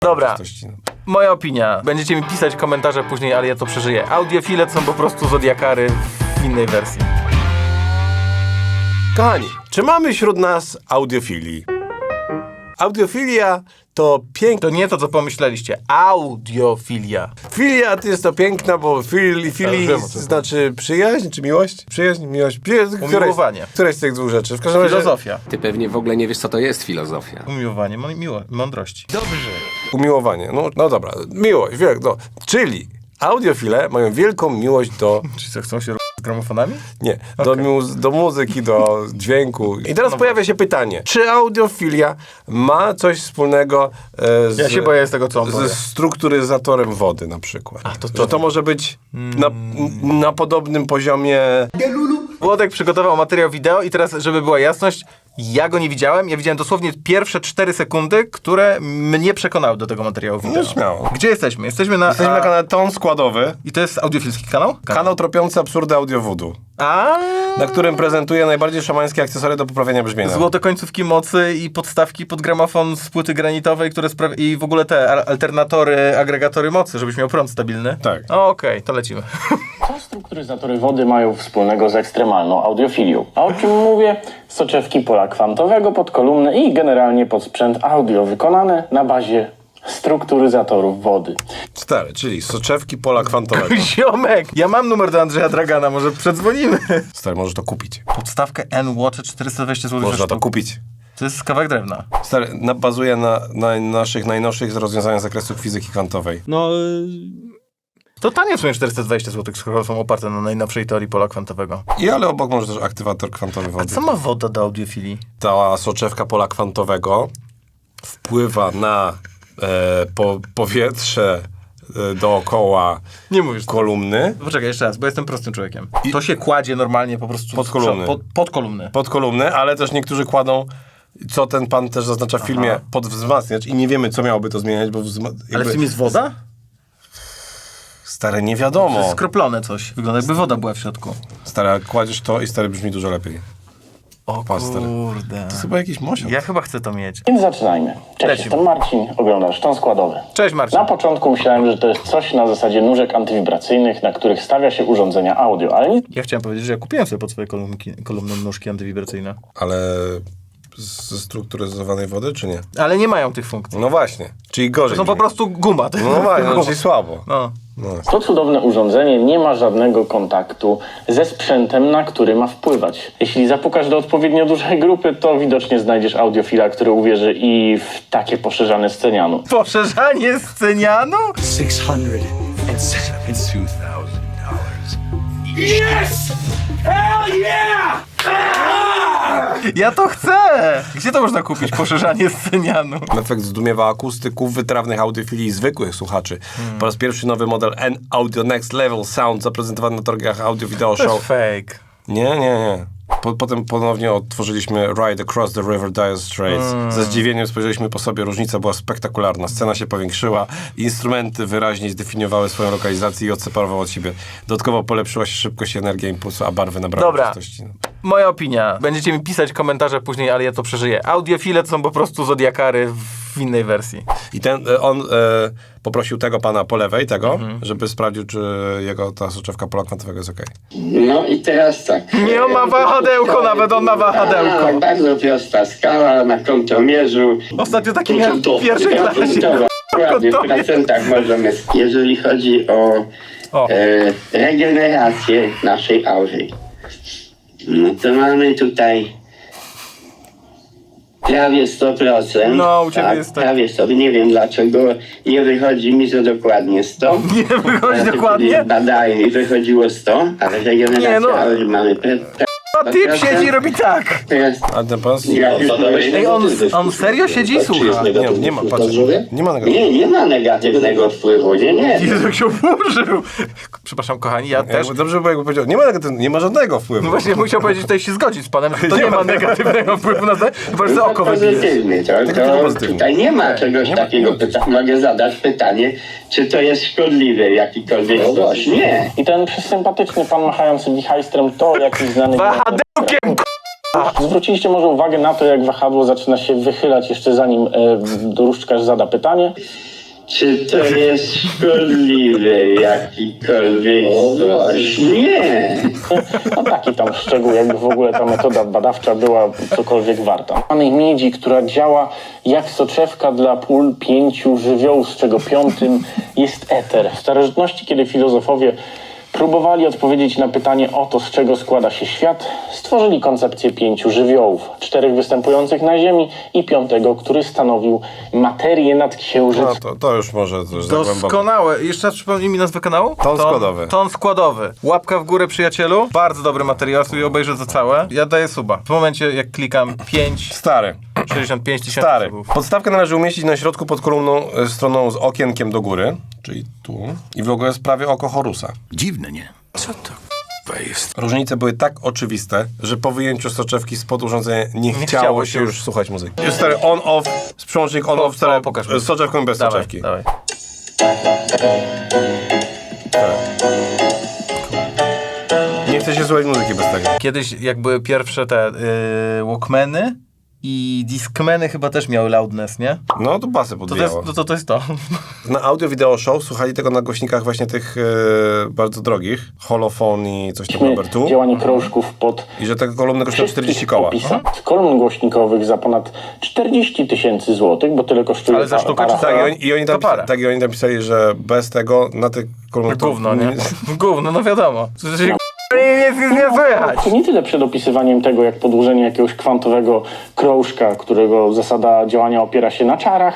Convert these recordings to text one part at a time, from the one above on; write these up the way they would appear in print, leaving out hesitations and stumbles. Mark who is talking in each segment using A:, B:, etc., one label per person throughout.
A: Dobra, moja opinia. Będziecie mi pisać komentarze później, ale ja to przeżyję. Audiofile to są po prostu zodiakary w innej wersji.
B: Kochani, czy mamy wśród nas audiofili? Audiofilia to piękne...
A: To nie to, co pomyśleliście. Audiofilia.
B: Filia to jest to piękna, bo filii znaczy przyjaźń czy miłość? Przyjaźń, miłość,
A: Umiłowanie.
B: Któreś z tych dwóch rzeczy. W każdym razie...
A: Filozofia.
C: Ty pewnie w ogóle nie wiesz, co to jest filozofia.
A: Umiłowanie, mądrości.
B: Umiłowanie. No dobra, miłość, no. Czyli audiofile mają wielką miłość do...
A: Czy co, chcą się z gramofonami?
B: Nie, do muzyki, do dźwięku. I teraz pojawia się pytanie, czy audiofilia ma coś wspólnego z...
A: Ja się boję z tego, co on powie.
B: Ze strukturyzatorem wody na przykład.
A: to
B: Że to może być na podobnym poziomie...
A: Włodek przygotował materiał wideo i teraz, żeby była jasność, ja go nie widziałem. Ja widziałem dosłownie pierwsze 4 sekundy, które mnie przekonały do tego materiału wideo.
B: No śmiało.
A: Gdzie jesteśmy? Jesteśmy na
B: kanale Ton Składowy.
A: I to jest audiofilski kanał?
B: Kanał tropiący absurdy audio-voodoo,
A: A
B: na którym prezentuje najbardziej szamańskie akcesoria do poprawienia brzmienia.
A: Złote końcówki mocy i podstawki pod gramofon z płyty granitowej, które i w ogóle te alternatory, agregatory mocy, żebyś miał prąd stabilny.
B: Tak.
A: Okej, to lecimy.
D: Co strukturyzatory wody mają wspólnego z ekstremalną audiofilią? A o czym mówię? Soczewki pola kwantowego pod kolumny i generalnie pod sprzęt audio wykonane na bazie strukturyzatorów wody.
B: Stary, czyli soczewki pola kwantowego.
A: Ziomek, ja mam numer do Andrzeja Dragana, może przedzwonimy.
B: Stary, możesz to kupić.
A: Podstawkę N-Watch 420 zł.
B: Można to kupić.
A: To jest kawałek drewna.
B: Stary, bazuje na naszych najnowszych rozwiązaniach z zakresu fizyki kwantowej.
A: To tanie są 420 zł, skoro są oparte na najnowszej teorii pola kwantowego.
B: Ale obok może też aktywator kwantowy wody.
A: Co ma woda do audiofilii?
B: Ta soczewka pola kwantowego wpływa na powietrze dookoła
A: Nie mówisz.
B: kolumny.
A: Poczekaj, jeszcze raz, bo jestem prostym człowiekiem. To się kładzie normalnie po prostu
B: Pod kolumny.
A: Pod kolumny.
B: Pod kolumny, ale też niektórzy kładą, co ten pan też zaznacza w filmie, pod wzmacniacz i nie wiemy, co miałoby to zmieniać, bo
A: Ale w tym jest woda?
B: Stare, nie
A: To
B: wiadomo.
A: jest skroplone coś. Wygląda jakby woda była w środku.
B: Stare, kładziesz to i stary brzmi dużo lepiej.
A: O
B: Patrz, stary.
A: kurde.
B: To chyba jakiś mosiąc.
A: Ja chyba chcę to mieć.
D: Więc zaczynajmy. Cześć,
A: Lecimy.
D: jestem Marcin, oglądasz Ton Składowy.
A: Cześć Marcin.
D: Na początku myślałem, że to jest coś na zasadzie nóżek antywibracyjnych, na których stawia się urządzenia audio, ale nic
A: Ja chciałem powiedzieć, że ja kupiłem sobie pod swoje kolumny nóżki antywibracyjne.
B: Ale ze strukturyzowanej wody, czy nie?
A: Ale nie mają tych funkcji.
B: No właśnie, czyli gorzej.
A: To są po
B: brzmi.
A: prostu guma.
B: No właśnie, czyli słabo.
A: No.
D: To cudowne urządzenie nie ma żadnego kontaktu ze sprzętem, na który ma wpływać. Jeśli zapukasz do odpowiednio dużej grupy, to widocznie znajdziesz audiofila, który uwierzy i w takie poszerzane scenianu.
A: Poszerzanie scenianu?
E: $672,000.
A: Ja to chcę! Gdzie to można kupić? Poszerzanie scenianu.
B: Efekt zdumiewa akustyków, wytrawnych audiofilii i zwykłych słuchaczy. Po raz pierwszy nowy model N-Audio Next Level Sound zaprezentowany na targach Audio Video
A: To jest
B: Show.
A: fake.
B: Nie. Potem ponownie odtworzyliśmy Ride Across the River Dire Straits. Ze zdziwieniem spojrzeliśmy po sobie, różnica była spektakularna. Scena się powiększyła, instrumenty wyraźnie zdefiniowały swoją lokalizację i odseparowały od siebie. Dodatkowo polepszyła się szybkość i energia impulsu, a barwy nabrały
A: Dobra.
B: czystości.
A: Moja opinia. Będziecie mi pisać komentarze później, ale ja to przeżyję. Audiofile to są po prostu zodiakary w innej wersji.
B: I on poprosił tego pana po lewej, żeby sprawdził, czy jego ta soczewka pola kwantowego jest okej.
F: No i teraz tak.
A: Nie, on ma wahadełko nawet, on ma wahadełko.
F: Tak, bardzo prosta skala na kątomierzu.
A: Ostatnio taki miałem w pierwszej klasie.
F: Dokładnie, w procentach możemy. Jeżeli chodzi o regenerację naszej aury, no to mamy tutaj prawie 100%.
A: No, u ciebie jest tak.
F: Prawie 100%. Nie wiem dlaczego nie wychodzi mi, że dokładnie 100.
A: Nie wychodzi
F: Ja
A: dokładnie?
F: Badałem i wychodziło 100, ale regeneracja
A: Nie, no.
F: aury mamy
A: A typ siedzi i robi tak.
F: teraz.
B: A ten pan?
A: Ej, on serio siedzi i słucha.
B: Nie ma, patrz. Nie ma negatywnego.
F: Nie ma negatywnego wpływu, nie.
A: Jezu, jak się oburzył. Przepraszam, kochani, ja też.
B: Dobrze by było, jakby powiedział, nie ma żadnego wpływu.
A: No właśnie musiał powiedzieć, tutaj się zgodzić z panem, że to nie ma negatywnego wpływu na to, chyba że oko wybijesz.
F: Pozytywny,
B: Tylko
F: to
B: pozytywny.
F: tutaj nie ma czegoś takiego. Mogę zadać pytanie, czy to jest szkodliwe w jakikolwiek sposób? Nie.
D: I ten sympatyczny pan machający wichajstrem to jakiś znany...
A: Wahadełkiem,
D: Zwróciliście może uwagę na to, jak wahadło zaczyna się wychylać jeszcze zanim dróżdżkarz zada pytanie.
F: Czy to jest szkodliwe jakikolwiek sposób? Nie.
D: No taki tam szczegół, jakby w ogóle ta metoda badawcza była cokolwiek warta. Mamy miedzi, która działa jak soczewka dla pól 5 żywiołów, z czego 5 jest eter. W starożytności, kiedy filozofowie próbowali odpowiedzieć na pytanie o to, z czego składa się świat, stworzyli koncepcję 5 żywiołów. 4 występujących na Ziemi i 5, który stanowił materię nad księżycem.
B: No to już może to już za głęboko.
A: Doskonałe. Jeszcze raz przypomnij mi nazwę kanału?
B: Ton składowy.
A: Ton składowy. Łapka w górę, przyjacielu. Bardzo dobry materiał, sobie obejrzę to całe. Ja daję suba. W momencie, jak klikam
B: 65
A: 65 tysięcy
B: Stary.
A: subów.
B: Podstawkę należy umieścić na środku pod kolumną stroną z okienkiem do góry, czyli tu. I w ogóle jest prawie oko Horusa.
E: Dziwne, nie? Co to jest?
B: Różnice były tak oczywiste, że po wyjęciu soczewki spod urządzenia nie chciało się już słuchać muzyki. Jest stary on-off, z przełącznik on-off, stary,
A: pokaż mi.
B: z soczewką i bez
A: Dawaj,
B: soczewki.
A: dawaj.
B: Nie chce się słuchać muzyki bez tego.
A: Kiedyś, jak były pierwsze te Walkmany i Discmany chyba też miały loudness, nie?
B: No to basy
A: To
B: podbijało.
A: to jest to.
B: Na audio video show słuchali tego na głośnikach właśnie tych bardzo drogich. Holophone i coś tam number 2.
D: Działanie krążków pod
B: I że te kolumny kosztują 40 koła.
D: z kolumn głośnikowych za ponad 40 000 złotych, bo tyle kosztuje
A: Ale za sztukę czy
B: Tak,
A: za-
B: i oni
A: to parę.
B: tak, i oni tam pisali, że bez tego na tych kolumnach... to-
A: Gówno, nie? Gówno, no wiadomo. Nie słychać.
D: To nie tyle przed opisywaniem tego, jak podłużenie jakiegoś kwantowego krążka, którego zasada działania opiera się na czarach.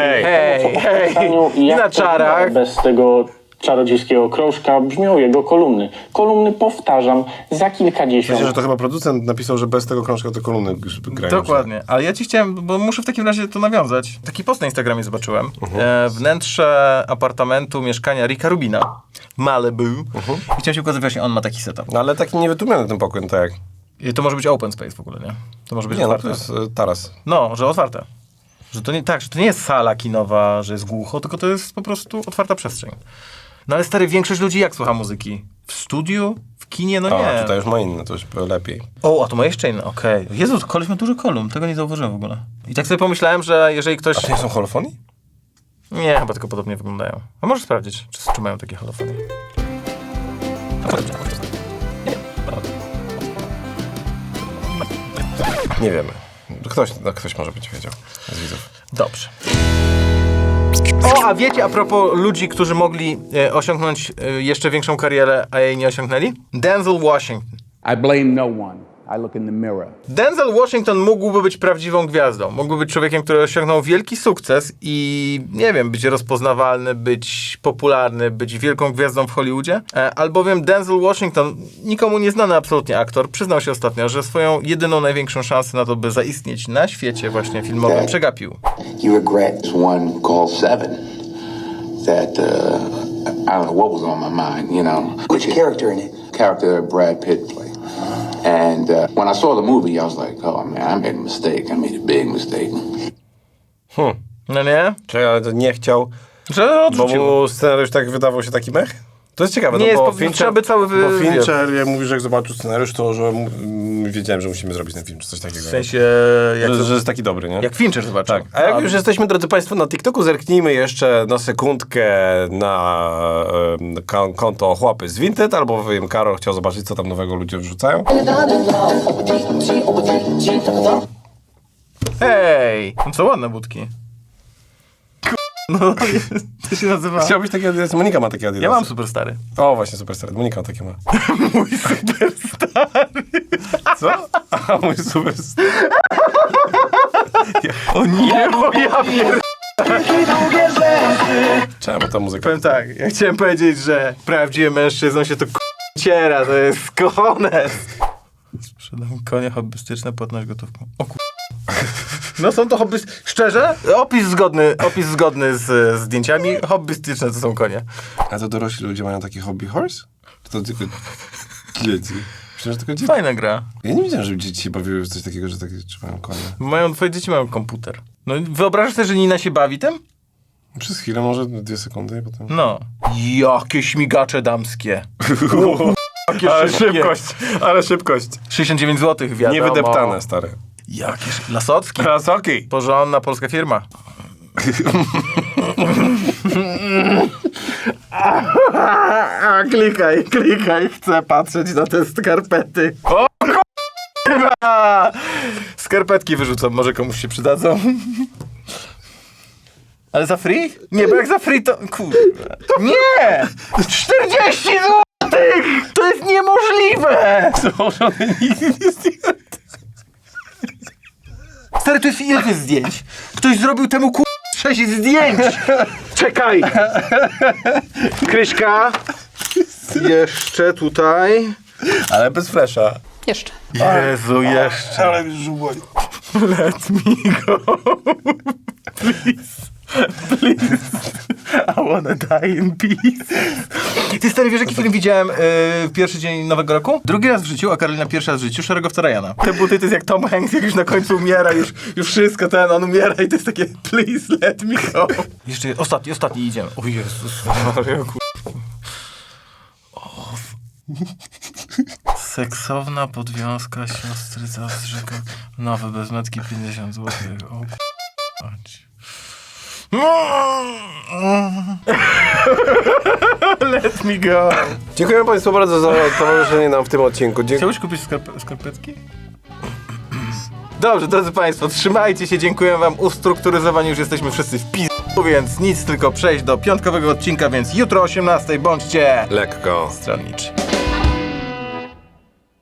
A: Hej,
D: I jak
A: na czarach.
D: bez tego czarodziejskiego krążka brzmią jego kolumny. Kolumny, powtarzam, za kilkadziesiąt.
B: Myślę, że to chyba producent napisał, że bez tego krążka te kolumny grają.
A: Dokładnie. Ale ja ci chciałem, bo muszę w takim razie to nawiązać. Taki post na Instagramie zobaczyłem. Wnętrze apartamentu mieszkania Ricka Rubina w Malibu. I chciałem się ukazać, właśnie on ma taki setup.
B: No ale taki niewytłumiony ten pokój, no tak jak...
A: I to może być open space w ogóle, nie? To może być
B: Nie, no
A: otwarte.
B: to jest taras.
A: No, że otwarte. Że to nie, tak, że to nie jest sala kinowa, że jest głucho, tylko to jest po prostu otwarta przestrzeń. No ale stary, większość ludzi jak słucha muzyki? W studiu? W kinie? No
B: O,
A: nie.
B: tutaj już ma inne, to już lepiej.
A: O, a to ma jeszcze inne, okej. Jezu, koleś ma dużo kolumn, tego nie zauważyłem w ogóle. I tak sobie pomyślałem, że jeżeli ktoś...
B: A to nie są holofonii?
A: Nie, chyba tylko podobnie wyglądają. A możesz sprawdzić, czy mają takie holofonie.
B: Nie wiemy. Ktoś może być wiedział z widzów.
A: Dobrze. O, a wiecie, a propos ludzi, którzy mogli osiągnąć jeszcze większą karierę, a jej nie osiągnęli? Denzel Washington.
G: I blame no one. I look in the mirror.
A: Denzel Washington mógłby być prawdziwą gwiazdą. Mógłby być człowiekiem, który osiągnął wielki sukces i, nie wiem, być rozpoznawalny, być popularny, być wielką gwiazdą w Hollywoodzie. Albowiem Denzel Washington, nikomu nieznany absolutnie aktor, przyznał się ostatnio, że swoją jedyną, największą szansę na to, by zaistnieć na świecie właśnie filmowym, przegapił.
H: You regret one called Seven. That I don't know what was on my mind, you know. Which character in it? Character Brad Pitt played. And when I saw the movie, I was like, oh man, I made a mistake. I made a big mistake.
A: No nie?
B: Czyli ale to nie chciał,
A: Że
B: bo
A: odrzucił.
B: mu scenariusz tak wydawał się taki mech? To jest ciekawe,
A: Nie
B: no
A: jest
B: bo
A: po- trzeba by cały
B: bo Fincher, jak mówi, że jak zobaczył scenariusz, to że wiedziałem, że musimy zrobić ten film, czy coś takiego.
A: W sensie,
B: że jest taki dobry, nie?
A: jak Fincher zobaczył.
B: Tak. A jak już jesteśmy, drodzy Państwo, na TikToku, zerknijmy jeszcze na sekundkę na konto Chłopy z Vinted, albo wiem, Karol chciał zobaczyć, co tam nowego ludzie wrzucają.
A: Hej! No co ładne budki. No, to się nazywa...
B: Chciałbyś takie Adidas? Monika ma takie Adidas.
A: Ja mam superstary.
B: O, właśnie, Superstar. Monika takie ma.
A: Mój superstary.
B: Co? A, mój Superstar.
A: O nie, bo ja pier...
B: Czemu ta muzyka?
A: Powiem tak, ja chciałem powiedzieć, że prawdziwym mężczyzną się to ciera, to jest kones. Sprzedam konie hobbystyczne, płatność gotówką. O kur... No są to szczerze, opis zgodny z zdjęciami, hobbystyczne to są konie.
B: A to dorośli ludzie mają taki hobby horse? Czy to tylko dzieci? Myślę, że tylko dzieci.
A: Fajna gra.
B: Ja nie wiedziałem, żeby dzieci się bawiły w coś takiego, że takie trzymają konie.
A: Twoje dzieci mają komputer. No wyobrażasz sobie, że Nina się bawi tym?
B: Przez chwilę, może 2 sekundy i potem...
A: No. Jakie śmigacze damskie.
B: Ale szybkość.
A: 69 zł, wiadomo.
B: Niewydeptane, stary.
A: Jakież Lasocki.
B: Krasoki.
A: Porządna polska firma. Klikaj, chcę patrzeć na te skarpety. O kurwa! Skarpetki wyrzucam, może komuś się przydadzą. Ale za free? Nie, bo jak za free to... Kurwa. Nie! 40 zł! To jest niemożliwe!
B: Założony nigdy nie zdjęty.
A: Stary, to jest ile to jest zdjęć? Ktoś zrobił temu 6 zdjęć! Czekaj! Kryśka. Jeszcze tutaj.
B: Ale bez flesza.
I: Jeszcze.
A: Jezu, jeszcze.
B: Ale mi żuboj.
A: Let me go. Please. I wanna die in peace. Ty stary, wiesz jaki film widziałem w pierwszy dzień Nowego Roku? Drugi raz w życiu, a Karolina pierwszy raz w życiu, Szeregowca Ryana. Te buty to jest jak Tom Hanks, jak już na końcu umiera, już wszystko on umiera i to jest takie please let me go. Jeszcze ostatni idziemy. O Jezus Maria, Seksowna podwiązka siostrzyca z rzeką. Nowe bezmetki 50 zł. O Let me go.
B: Dziękuję Państwu bardzo za towarzyszenie nam w tym odcinku.
A: Chciałbyś kupić skarpetki? Dobrze, drodzy Państwo, trzymajcie się, dziękuję Wam. Ustrukturyzowani już jesteśmy wszyscy w pizdu, więc nic, tylko przejść do piątkowego odcinka, więc jutro o 18:00 bądźcie
B: Lekko.
A: stronniczy.